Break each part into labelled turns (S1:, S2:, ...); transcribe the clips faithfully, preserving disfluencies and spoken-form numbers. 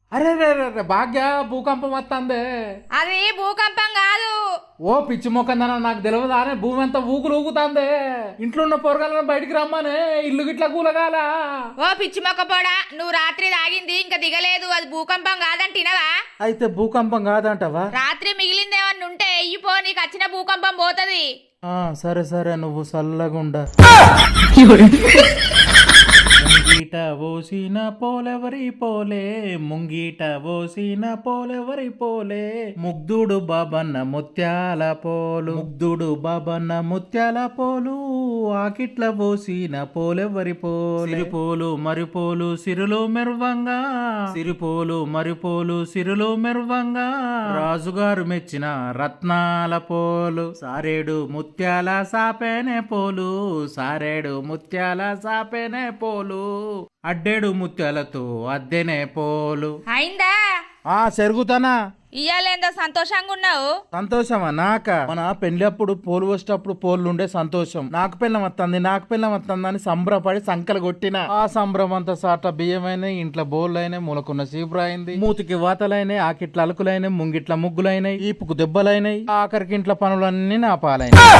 S1: అరే రే రే భాగ్య భూకంపం వస్తుంది.
S2: అది భూకంపం కాదు.
S1: ఓ పిచ్చి మొక్కందన నాకు తెలియదు అని భూమి అంతా ఊగులు ఊగుతాంది. ఇంట్లో ఉన్న పొరగాలను బయటికి రమ్మని ఇల్లు గిట్లా కూలగాల.
S2: ఓ పిచ్చి మొక్క పోడా, నువ్వు రాత్రి తాగింది ఇంకా దిగలేదు, అది భూకంపం కాదంటినవా?
S1: అయితే భూకంపం కాదంటవా?
S2: రాత్రి మిగిలిందేమన్నా ఉంటే ఎయ్యిపో, నీకు వచ్చిన భూకంపం పోతది.
S1: ఆ సరే సరే నువ్వు చల్లగుండా. ముంగీట ఓసిన పోలెవరి పోలే, ముంగీట ఓసిన పోలెవరి పోలే, ముగ్ధుడు బాబన్న ముత్యాల పోలు, ముగ్ధుడు బాబన్న ముత్యాల పోలు, ఆకిట్ల పోసిన పోలెవరి పోలే, సిరిపోలు మరిపోలు సిరులు మెరువంగా, సిరిపోలు మరిపోలు సిరులు మెరువంగా, రాజుగారు మెచ్చిన రత్నాల పోలు, సారేడు ముత్యాల సాపేనే పోలు, సారేడు ముత్యాల సాపేనే పోలు, అడ్డేడు ముత్యాలతో అద్దెనే పోలు.
S2: అయిందా?
S1: ఆ సెరుగుతానా?
S2: ఇయ్యాలేందో సంతోషంగా ఉన్నావు?
S1: సంతోషమా నాక? మన పెళ్లిప్పుడు పోలు వచ్చేటప్పుడు పోలు ఉండే సంతోషం. నాకు పిల్లం వస్తుంది నాకు పిల్లం వస్తుంది అని సంబరపడి సంకలు కొట్టిన. ఆ సంబరం అంతా సాట బియ్యమైనా, ఇంట్లో బోర్లైనా, మూలకున్న సీపురైంది, మూతికి వాతలైనాయి, ఆకిట్ల అలుకులైనాయి, ముంగిట్ల ముగ్గులైనాయి, ఈపుకు దెబ్బలైనాయి, ఆఖరికి ఇంట్లో పనులన్నీ నా పాలైనాయి.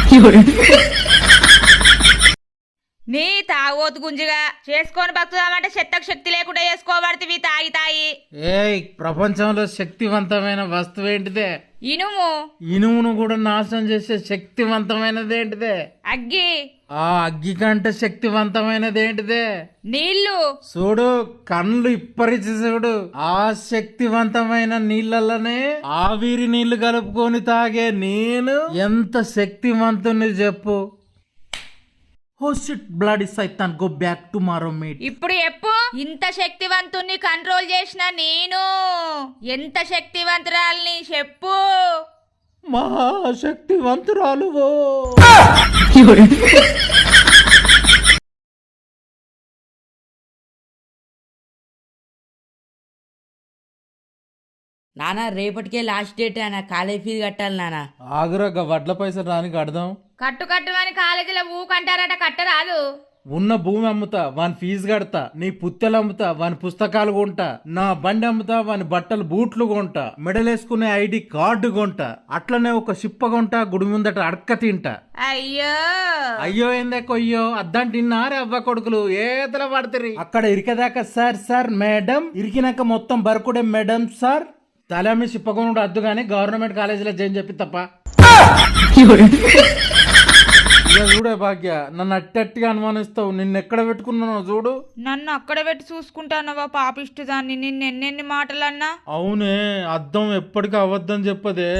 S2: నీ తాగోతు గుంజిగా చేసుకొని బతుకుదామంటే శక్తకు శక్తి లేకుండా చేసుకోబడితే తాగి తాగి.
S1: ఏయ్ ప్రపంచంలో శక్తివంతమైన వస్తువు ఏంటిదే?
S2: ఇనుము.
S1: ఇనుమును కూడా నాశనం చేసే శక్తివంతమైనది ఏంటిదే?
S2: అగ్గి.
S1: ఆ అగ్గి కంటే శక్తివంతమైనది ఏంటిదే?
S2: నీళ్లు.
S1: చూడు కళ్ళు ఇప్పరిచి చూడు. ఆ శక్తివంతమైన నీళ్ళలోనే ఆవిరి నీళ్లు కలుపుకొని తాగే నేను ఎంత శక్తివంతుని చెప్పు. Oh shit, bloody Satan, go back tomorrow, mate.
S2: ఇప్పుడు ఎప్పు ఇంత శక్తివంతుణ్ణి కంట్రోల్ చేసిన నేను ఎంత శక్తివంతురాల్ని చెప్పు.
S1: మహాశక్తివంతురాలు.
S3: నానా రేపటికే లాస్ట్ డేట్ అన్న, కాలేజ్ ఫీజు కట్టాలి నానా.
S1: ఆగురగ వడ్ల పైసలు రాని కడదాం.
S2: కట్టు కట్టు అని కాలేజీలో ఊకంటారట, కట్టరాదు.
S1: ఉన్న భూమి అమ్ముతా వాని ఫీజు కడతా, నీ పుత్తెలు అమ్ముతా వాని పుస్తకాలు కొంటా, నా బండి అమ్ముతా వాని బట్టలు బూట్లు కొంటా, మెడలేసుకునే ఐడి కార్డు కొంటా, అట్లనే ఒక షిప్ప కొంటా, గుడి ముందట అడక్క తింటా.
S2: అయ్యో
S1: అయ్యో ఏందే కొయ్యో అద్దంటిన్నారే అవ్వ కొడుకులు ఏతల పడతారు. అక్కడ ఇరికేదాకా సార్ సార్ మేడం, ఇరికినాక మొత్తం బరుకుడే మేడం సార్. తలమి షిప్పకొనుడు అద్దు గాని గవర్నమెంట్ కాలేజీలో చేయని చెప్పి తప్ప. చూడే భాగ్య నన్ను అట్టట్టుగా అనుమానిస్తావు. నిన్ను ఎక్కడ పెట్టుకున్నానో చూడు.
S2: నన్ను అక్కడ పెట్టి చూసుకుంటానవా పాపిష్టి దాన్ని, నిన్ను ఎన్నెన్ని మాటలన్నా.
S1: అవునే అద్దం ఎప్పటికీ అవద్దని చెప్పదే.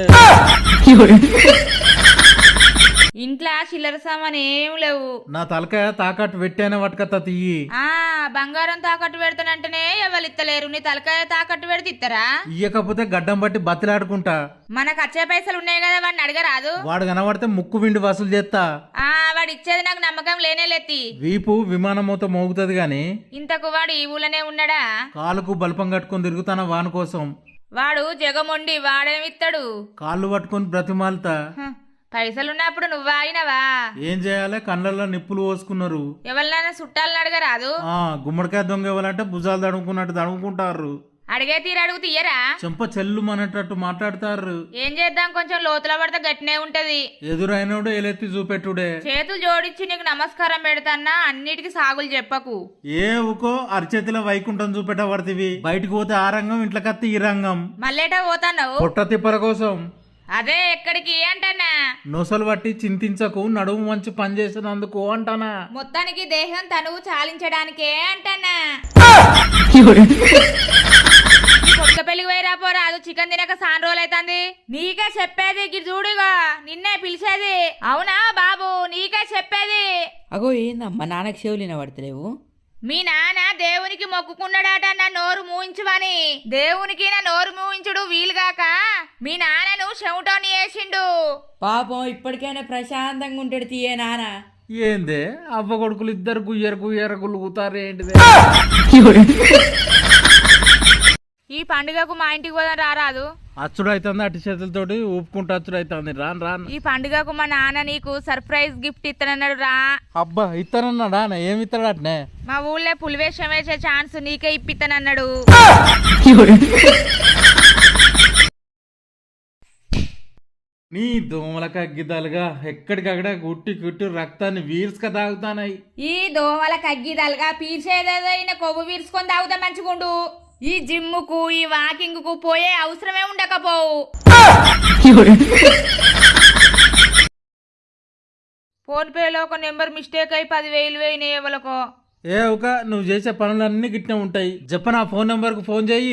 S2: ఇంట్లో చిల్లర సామాన్ ఏం లేవు.
S1: నా తలకాయ తాకట్టు పెట్టానే పట్టుకత్తా తీయి.
S2: ఆ బంగారం తాకట్టు పెడతానంటేనే ఎవరు ఇత్తలేరు, నీ తలకాయ తాకట్టు పెడితే ఇత్తరా?
S1: ఇయ్యకపోతే గడ్డం బట్టి బతిలాడుకుంటా.
S2: మనకు వచ్చే పైసలు ఉన్నాయి కదా, వాడిని అడగరాదు?
S1: వాడు కనబడితే ముక్కు విండి వసూలు చేస్తా.
S2: ఆ వాడు ఇచ్చేది నాకు నమ్మకం లేనే లేతి.
S1: వీపు విమానమూత మోగుతుంది గాని
S2: ఇంతకు వాడు ఈ ఊళ్ళనే ఉన్నాడా?
S1: కాలుకు బల్పం కట్టుకొని తిరుగుతానా వాని కోసం.
S2: వాడు జగమొండి, వాడేమిత్తాడు?
S1: కాళ్ళు పట్టుకొని బ్రతిమాలతా.
S2: పైసలున్నప్పుడు నువ్వు ఆగినవా?
S1: ఏం చేయాలి, కళ్ళల్లో నిప్పులు పోసుకున్నారు.
S2: ఎవరినైనా చుట్టాలని అడగరాదు?
S1: ఆ గుమ్మడికాయ దొంగ ఎవరంటే భుజాలు తడుముకున్నట్టు తడుముకుంటారు.
S2: అడిగే తీరు అడుగు తీయరా?
S1: చెంప చెల్లు మనటట్టు మాట్లాడతారు.
S2: ఏం చేద్దాం, కొంచెం లోతుల పడితే గట్టినే ఉంటది.
S1: ఎదురైనడు ఎలెత్తి చూపెట్టుడే.
S2: చేతులు జోడించి నీకు నమస్కారం పెడతాన్నా, అన్నిటికీ సాగులు చెప్పకు.
S1: ఏ ఊకో అరిచేతిలో వైకుంఠం చూపెట్టబడుతుంది. బయటకు పోతే ఆ రంగం, ఇంట్లో కత్తి ఈ రంగం.
S2: మళ్ళేటా పోతావు?
S1: పొట్ట తిప్పల కోసం.
S2: అదే ఎక్కడికి అంటానా?
S1: నొసలు బట్టి చింతించకు, నడుము మంచి పని చేసినందుకు అంటానా.
S2: మొత్తానికి దేహం తనువు చాలించడానికే అంటానా. కొత్త పెళ్లికి పోయిరా పోరా, అది చికెన్ తినక సాన్ రోజులు అవుతుంది. నీకే చెప్పేది గిరి చూడుగా, నిన్నే పిలిచేది. అవునా బాబు, నీకే చెప్పేది.
S3: అగో ఏందమ్మా నాన్నకి చెవులిన పడతలేవు?
S2: మీ నాన్న దేవునికి మొక్కుకున్నాడట నా నోరు మూయించువని. దేవునికి నా నోరు మూయించుడు వీలుగాక మీ నాన్నను చెవుటోని వేసిండు.
S3: పాపం ఇప్పటికైనా ప్రశాంతంగా ఉంటాడు తీయే నాన్న.
S1: ఏందే అవ్వ కొడుకులు ఇద్దరు గుయ్యరు గుయ్యరు గులుగుతారు ఏంటిదే.
S2: ఈ పండుగకు మా ఇంటికి పోదాం రారాదు?
S1: అచ్చుడు అవుతుంది, అటు చేతులతోటి ఊపుకుంటూ అచ్చుడు అవుతుంది. రాను రాను.
S2: ఈ పండుగకు మా నాన్న నీకు సర్ప్రైజ్ గిఫ్ట్ ఇస్తానన్నాడు రా.
S1: అబ్బా ఇస్తానన్నాడా? ఏమి ఇస్తాడు అట్నే?
S2: మా ఊళ్ళో పులివేషం వేసే ఛాన్స్ నీకే ఇప్పిస్తానన్నాడు.
S1: నీ దోమల కగ్గిదాలుగా ఎక్కడికక్కడ గుట్టి గుట్టి రక్తాన్ని వీర్స్క తాగుతానాయి.
S2: ఈ దోమల కగ్గిదలుగా పీల్చేదైనా కొవ్వు వీర్చుకొని తాగుతా మంచిగుండు. ఈ జిమ్ముకు ఈ వాకింగ్ కు పోయే అవసరమే ఉండకపోవు. ఫోన్ పేలో ఒక నెంబర్ మిస్టేక్ అయి పదివేలు వేయినాయి ఎవరికో.
S1: ఏ ఒక నువ్వు చేసే పనులన్నీ గిట్నే ఉంటాయి. చెప్పనా ఫోన్ నెంబర్ కు ఫోన్ చెయ్యి.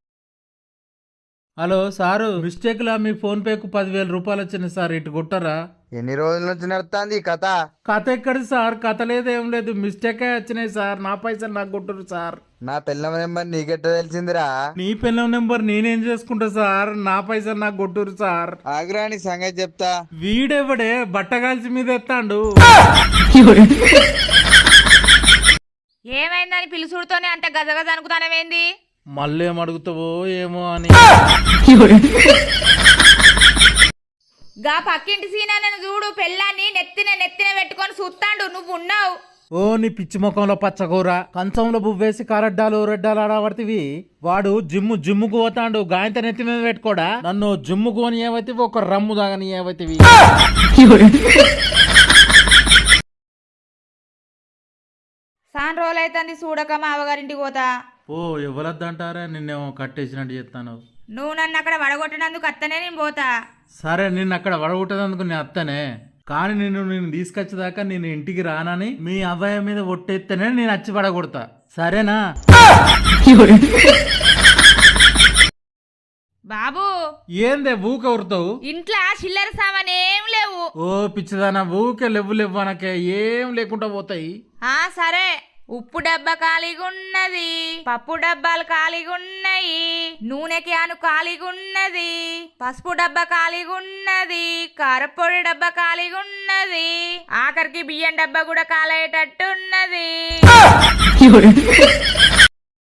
S1: హలో సారు, మిస్టేక్ లా మీ ఫోన్ పే కు పదివేల రూపాయలు వచ్చినాయి సార్, ఇటు కొట్టరా.
S4: ఎన్ని రోజుల నుంచి నడుస్తుంది ఈ కథ?
S1: కథ ఎక్కడి సార్, కథ లేదు ఏం లేదు, మిస్టేక్ వచ్చినాయి సార్, నా పైసలు నాకు కొట్టురు సార్.
S4: నా పిల్ల నెంబర్ నీకెట్ట తెలిసిందిరా?
S1: నీ పిల్లం నెంబర్ నేనేం చేసుకుంటా సార్, నా పైసలు నాకు కొట్టురు సార్.
S4: ఆగ్రా నీ సంగతి చెప్తా.
S1: వీడెవడే బట్టగాల్చి మీద ఎత్తాండు.
S2: ఏమైందని పిలుసుడుతోనే అంత గజగజ అనుకుతానవేంది?
S1: మళ్ళీ ఏం అడుగుతావో ఏమో అని.
S2: గా పక్కింటి సీనాన్నను చూడు, పెళ్ళాన్ని నెత్తిన నెత్తిన పెట్టుకొని చూస్తాండు. నువ్వు ఉన్నావు.
S1: ఓ నీ పిచ్చి ముఖంలో పచ్చకూర, కంచంలో బువ్వేసి కారడ్డాలు రెడ్డాలు ఆడబడితివి. వాడు జిమ్ము జిమ్ముకు పోతాండు, గాయంత నెత్తి మీద పెట్టుకోడా. నన్ను జిమ్ముకు అని ఏవైతివి, ఒక రమ్ము దాగని ఏవైతివి.
S2: సాన్ రోజులైతుంది చూడక మా అవగారింటికి పోతా.
S1: ఓ ఇవ్వలద్దంటారా, నిన్నేమో కట్టేసినట్టు చెప్తాను.
S2: నువ్వు నన్ను అక్కడ వడగొట్టినందుకు అత్తనే నేను పోతా.
S1: సరే నిన్ను అక్కడ వడగొట్టేందుకు నేను అత్తనే, కానీ నిన్ను నేను తీసుకొచ్చేదాకా నేను ఇంటికి రానని మీ అబ్బాయి మీద ఒట్టెత్తేనే నేను వచ్చి పడగొడతా, సరేనా?
S2: బాబు
S1: ఏందే ఊక ఉరుతావు?
S2: ఇంట్లో చిల్లర సామాన్ ఏం లేవు.
S1: ఓ పిచ్చిదానా, ఊకే లేవు లేవు అనకే, ఏం లేకుండా పోతాయి.
S2: ఆ సరే, ఉప్పు డబ్బా ఖాళీగా ఉన్నది, పప్పు డబ్బాలు ఖాళీగా ఉన్నాయి, నూనె క్యాను ఖాళీగా ఉన్నది, పసుపు డబ్బా ఖాళీగా ఉన్నది, కారపొడి డబ్బా ఖాళీగా ఉన్నది, ఆఖరికి బియ్యం డబ్బా కూడా ఖాళీ అయ్యేటట్టు ఉన్నది.